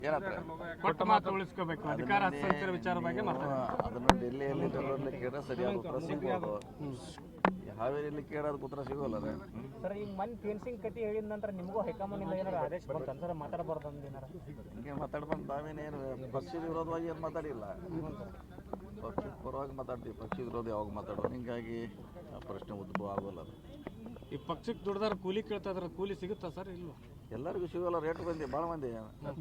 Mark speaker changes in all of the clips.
Speaker 1: ಕೊಟ್ಟ ಮಾತು ಉಳಿಸ್ಕೋಬೇಕು, ಅಧಿಕಾರ ಹಸ್ತಾಂತರ ವಿಚಾರ ಬಗ್ಗೆ
Speaker 2: ಅದನ್ನು ಡೆಲ್ಲಿಯಲ್ಲಿ ಕೇಳಿದ್ರೆ ಸರಿಯಾದ ಉತ್ತರ ಸಿಗ್ಬೋದು. ಹಾವೇರಿಯಲ್ಲಿ ಕೇಳೋದು ಉತ್ತರ ಸಿಗೋಲ್ಲ
Speaker 3: ಸರ್. ಈಗ ಮನ್ ಫೆನ್ಸಿಂಗ್ ಕತಿ ಹೇಳಿದ ನಂತರ ನಿಮಗೂ ಹೈಕಮಾಂಡ್ ಏನಾರು ಆದೇಶ ಬಂತ ಸರ್ ಮಾತಾಡಬಾರ್ದು ಅಂದೇನಾರ?
Speaker 2: ಹಿಂಗೆ ಮಾತಾಡ್ಬಂದು ನಾವೇನೇನು ಪಕ್ಷದ ವಿರೋಧವಾಗಿ ಏನು ಮಾತಾಡಿಲ್ಲ, ಪಕ್ಷದ ಪರವಾಗಿ ಮಾತಾಡ್ತೀವಿ. ಪಕ್ಷದ ವಿರೋಧ ಯಾವಾಗ ಮಾತಾಡೋದು, ಹಿಂಗಾಗಿ ಆ ಪ್ರಶ್ನೆ ಉದ್ಭವ ಆಗೋಲ್ಲ. ಅದು
Speaker 1: ಈ ಪಕ್ಷಕ್ಕೆ ದುಡ್ದಾರ ಕೂಲಿ ಕೇಳ್ತಾ ಇದ್ರೆ ಕೂಲಿ ಸಿಗುತ್ತಾ ಸರ್? ಇಲ್ವಾ?
Speaker 2: ಎಲ್ಲರಿಗೂ ಸಿಗೋಲ್ಲ. ರೇಟ್ ಬಂದಿ ಭಾಳ ಮಂದಿ,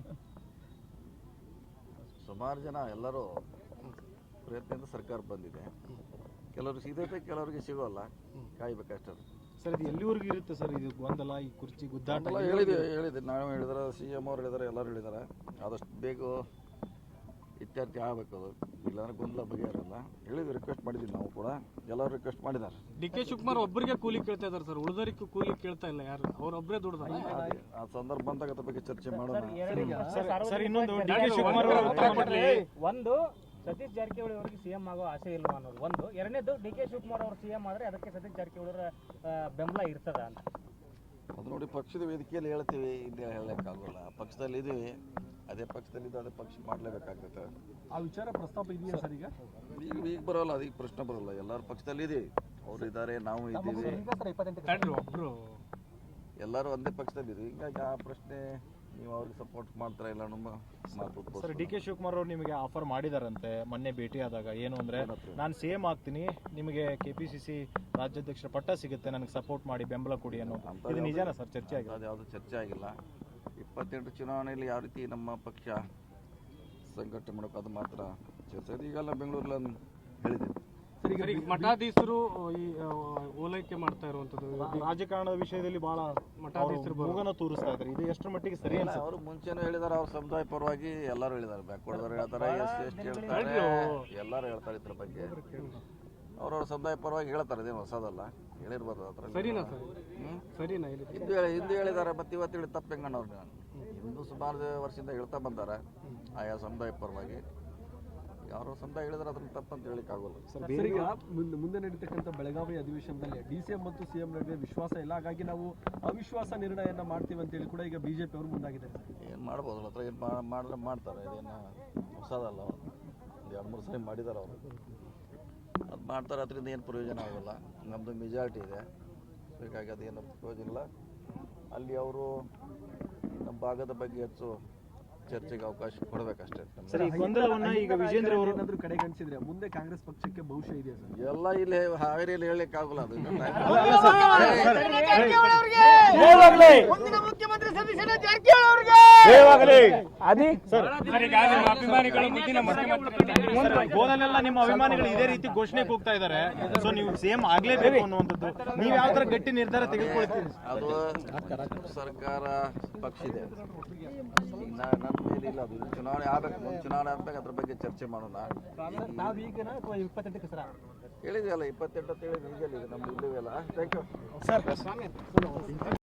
Speaker 2: ಸುಮಾರು ಜನ ಎಲ್ಲರೂ ಪ್ರಯತ್ನದಿಂದ ಸರ್ಕಾರ ಬಂದಿದೆ. ಕೆಲವ್ರಿಗೆ ಸಿಗತೈತೆ, ಕೆಲವರಿಗೆ ಸಿಗೋಲ್ಲ, ಕಾಯ್ಬೇಕಷ್ಟೇ.
Speaker 4: ಸರ್ ಇದು ಎಲ್ಲಿವರೆಗೂ ಇರುತ್ತೆ ಸರ್ ಇದು ಗೊಂದಲ, ಈ ಕುರ್ಚಿ ಗುದ್ದಾಟ?
Speaker 2: ಹೇಳಿದೆ ನಾವು ಹೇಳಿದಾರೆ, CM ಅವ್ರು ಹೇಳಿದಾರೆ, ಎಲ್ಲರೂ ಹೇಳಿದ್ದಾರೆ. ಆದಷ್ಟು ಬೇಗ ಇತ್ಯರ್ಥ ಆಗಬೇಕು. ಅದು ಇಲ್ಲಾಂದ್ರೆ ಗೊಂದಲ ಬಗೆಹರಲ್ಲ. ಹೇಳಿದ್ವಿ, ರಿಕ್ವೆಸ್ಟ್ ಮಾಡಿದ್ವಿ ನಾವು ಕೂಡ, ಎಲ್ಲರೂ ರಿಕ್ವೆಸ್ಟ್ ಮಾಡಿದ್ದಾರೆ.
Speaker 1: DK ಶಿವಕುಮಾರ್ ಒಬ್ಬರಿಗೆ ಕೂಲಿ ಕೇಳ್ತಾ ಇದ್ದಾರೆ ಸರ್, ಉಳಿದವರಿಗೂ ಕೂಲಿ ಕೇಳ್ತಾ ಇಲ್ಲ. ಯಾರು ಅವ್ರೊಬ್ಬರೇ ದುಡ್ದಾರ.
Speaker 2: ಆ ಸಂದರ್ಭ ಬಂದಾಗ ಅದ್ರ ಬಗ್ಗೆ ಚರ್ಚೆ ಮಾಡೋಣ.
Speaker 4: ಸರ್ ಇನ್ನೊಂದು DK ಶಿವಕುಮಾರ್ ಅವರು ಉತ್ತರ ಕೊಡ್ಲಿ.
Speaker 3: ಒಂದು, ಸತೀಶ್ ಜಾರಕಿಹೊಳಿ ಅವರಿಗೆ CM ಆಗೋ ಆಸೆ ಇಲ್ವಾ ಅನ್ನೋದು ಒಂದು. ಎರಡನೇದು, DK ಶಿವಕುಮಾರ್ ಅವರು CM ಆದರೆ ಅದಕ್ಕೆ ಸತೀಶ್ ಜಾರಕಿಹೊಳಿ ಅವರ ಬೆಂಬಲ ಇರ್ತದ ಅಂತ.
Speaker 2: ಅದು ನೋಡಿ, ಪಕ್ಷದ ವೇದಿಕೆಯಲ್ಲಿ ಹೇಳ್ತೀವಿ, ಇಲ್ಲಿ ಹೇಳಕ್ಕಾಗಲ್ಲ. ಪಕ್ಷದಲ್ಲಿ ಇದೀವಿ, ಅದೇ ಪಕ್ಷದಲ್ಲಿ ಅದೇ ಪಕ್ಷ ಮಾಡಲೇಬೇಕಾಗ್ತದೆ.
Speaker 4: ಆ ವಿಚಾರ ಪ್ರಸ್ತಾಪ ಇದೆಯಾ ಸರ್?
Speaker 2: ಈಗ ಬರೋಲ್ಲ, ಅದೀಗ ಪ್ರಶ್ನೆ ಬರೋಲ್ಲ. ಎಲ್ಲರೂ ಪಕ್ಷದಲ್ಲಿ ಇದೀವಿ, ಅವ್ರು ಇದ್ದಾರೆ, ನಾವು ಇದ್ದೀವಿ, ಎಲ್ಲರೂ ಒಂದೇ ಪಕ್ಷದಲ್ಲಿ ಇದೀವಿ. ಹೀಗಾಗಿ ಆ ಪ್ರಶ್ನೆ ನೀವು ಅವ್ರಿಗೆ ಸಪೋರ್ಟ್ ಮಾಡ್ತಾರ ಇಲ್ಲ ನಮ್ಮ ಮಾತು.
Speaker 4: ಸರ್ DK ಶಿವಕುಮಾರ್ ಅವರು ನಿಮಗೆ ಆಫರ್ ಮಾಡಿದಾರಂತೆ ಮೊನ್ನೆ ಭೇಟಿಯಾದಾಗ. ಏನು ಅಂದ್ರೆ, ನಾನು CM ಆಗ್ತೀನಿ, ನಿಮಗೆ KPCC ರಾಜ್ಯಾಧ್ಯಕ್ಷರ ಪಟ್ಟ ಸಿಗುತ್ತೆ, ನನಗೆ ಸಪೋರ್ಟ್ ಮಾಡಿ, ಬೆಂಬಲ ಕೊಡಿ ಅನ್ನೋದು. ಇದು ನಿಜಾನ ಸರ್? ಚರ್ಚೆ ಆಗಿದೆ?
Speaker 2: ಅದು ಯಾವುದು ಚರ್ಚೆ ಆಗಿಲ್ಲ. 28 ಚುನಾವಣೆಯಲ್ಲಿ ಯಾವ ರೀತಿ ನಮ್ಮ ಪಕ್ಷ ಸಂಘಟನೆ ಮಾಡೋಕೆ ಅದು ಮಾತ್ರ ಚರ್ಚೆ. ಈಗೆಲ್ಲ ಬೆಂಗಳೂರಲ್ಲಿ ಹೇಳಿದೆ.
Speaker 1: ಮಠಾಧೀಶರು ಈ ಓಲೈಕೆ ಮಾಡ್ತಾ ಇರುವಂತದ್ದು
Speaker 4: ರಾಜಕಾರಣದ ವಿಷಯದಲ್ಲಿ ಬಹಳ ಮಠಾಧೀಶರು ಮೂಗನ ತೋರಿಸ್ತಾ ಇದ್ದಾರೆ. ಇದು ಎಷ್ಟರ ಮಟ್ಟಿಗೆ ಸರಿ?
Speaker 2: ಅವರು ಮುಂಚೆನೂ ಹೇಳಿದಾರೆ, ಅವ್ರ ಸಮುದಾಯ ಪರವಾಗಿ ಎಲ್ಲರೂ ಹೇಳಿದ್ದಾರೆ. ಬ್ಯಾಕ್ವರ್ಡ್ ಹೇಳ್ತಾರೆ, SC ಹೇಳ್ತಾರೆ, ಎಲ್ಲರೂ ಹೇಳ್ತಾರೆ ಇದ್ರ ಬಗ್ಗೆ. ಅವ್ರವ್ರ ಸಮುದಾಯ ಪರವಾಗಿ ಹೇಳ್ತಾರೆ, ಇದೇನು ಹೊಸದಲ್ಲ, ಹೇಳಿರ್ಬೋದು. ಅದ್ರ
Speaker 1: ಸರಿನಾ ಸರ್? ಸರಿನಾ?
Speaker 2: ಹಿಂದೆ ಹೇಳಿದ್ದಾರೆ, ಮತ್ತೆ ಇವತ್ತು ಹೇಳಿ ತಪ್ಪು ಹೆಂಗಣ್ಣವ್ರು. ಹಿಂದೂ ಸುಮಾರು ವರ್ಷದಿಂದ ಹೇಳ್ತಾ ಬಂದಾರೆ ಆಯಾ ಸಮುದಾಯ ಪರವಾಗಿ. ಯಾರೋ ಸಮುದಾಯ ಹೇಳಿದ್ರೆ ಅದನ್ನ ತಪ್ಪಂತ ಹೇಳಿಕ್ ಆಗೋಲ್ಲ.
Speaker 5: ಸರ್, ಈಗ ಮುಂದೆ ನಡೀತಕ್ಕಂಥ ಬೆಳಗಾವಿ ಅಧಿವೇಶನದಲ್ಲಿ DCM ಮತ್ತು CM ನಡುವೆ ವಿಶ್ವಾಸ ಇಲ್ಲ, ಹಾಗಾಗಿ ನಾವು ಅವಿಶ್ವಾಸ ನಿರ್ಣಯನ ಮಾಡ್ತೀವಿ ಅಂತೇಳಿ ಕೂಡ ಈಗ BJP ಅವರು ಮುಂದಾಗಿದ್ದಾರೆ.
Speaker 2: ಏನು ಮಾಡ್ಬೋದು, ಹತ್ರ ಏನು ಮಾಡಿದ್ರೆ ಮಾಡ್ತಾರೆ. ಇದೇನು ಹೊಸದಲ್ಲ, ಅವರು 2-3 ಸರಿ ಮಾಡಿದ್ದಾರೆ. ಅವರು ಅದು ಮಾಡ್ತಾರೆ, ಅದರಿಂದ ಏನು ಪ್ರಯೋಜನ ಆಗೋಲ್ಲ. ನಮ್ಮದು ಮೆಜಾರಿಟಿ ಇದೆ, ಹೀಗಾಗಿ ಅದೇನು ಪ್ರಯೋಜನ ಇಲ್ಲ. ಅಲ್ಲಿ ಅವರು ನಮ್ಮ ಭಾಗದ ಬಗ್ಗೆ ಹೆಚ್ಚು ಚರ್ಚೆಗೆ ಅವಕಾಶ ಕೊಡಬೇಕಷ್ಟೇ.
Speaker 4: ಈಗ ವಿಜೇಂದ್ರ ಅವರು
Speaker 5: ಏನಾದರೂ ಕಡೆಗಣಿಸಿದ್ರೆ ಮುಂದೆ ಕಾಂಗ್ರೆಸ್ ಪಕ್ಷಕ್ಕೆ ಭವಿಷ್ಯ ಇದೆ ಸರ್?
Speaker 2: ಎಲ್ಲ ಇಲ್ಲಿ ಹಾವೇರಿಯಲ್ಲಿ ಹೇಳಲಿಕ್ಕೆ ಆಗೋಲ್ಲ. ಅದು
Speaker 4: ಗೋದಲೆಲ್ಲ ನಿಮ್ಮ ಅಭಿಮಾನಿಗಳು ಇದೇ ರೀತಿ ಘೋಷಣೆ ಕೂಗ್ತಾ ಇದ್ದಾರೆ. ಸೊ ನೀವು CM ಆಗ್ಲೇಬೇಕು ಅನ್ನುವಂಥದ್ದು, ನೀವು ಯಾವ ತರ ಗಟ್ಟಿ ನಿರ್ಧಾರ ತೆಗೆದುಕೊಳ್ತೀರಿ?
Speaker 2: ಅದು ಸರ್ಕಾರ ಪಕ್ಷ ಇದೆ, ನನ್ನ ಮೇಲೆ ಇಲ್ಲ. ಅದು ಚುನಾವಣೆ ಆಗ್ಬೇಕು, ಚುನಾವಣೆ ಆದ್ಮೇಲೆ ಅದ್ರ ಬಗ್ಗೆ ಚರ್ಚೆ ಮಾಡೋಣ. ಹೇಳಿದೆಯಲ್ಲ 28 ಅಂತ ಹೇಳಿ, ಈಗಲ್ಲ ನಮ್ದು ಇಲ್ಲವೇ ಅಲ್ಲ. Thank you sir.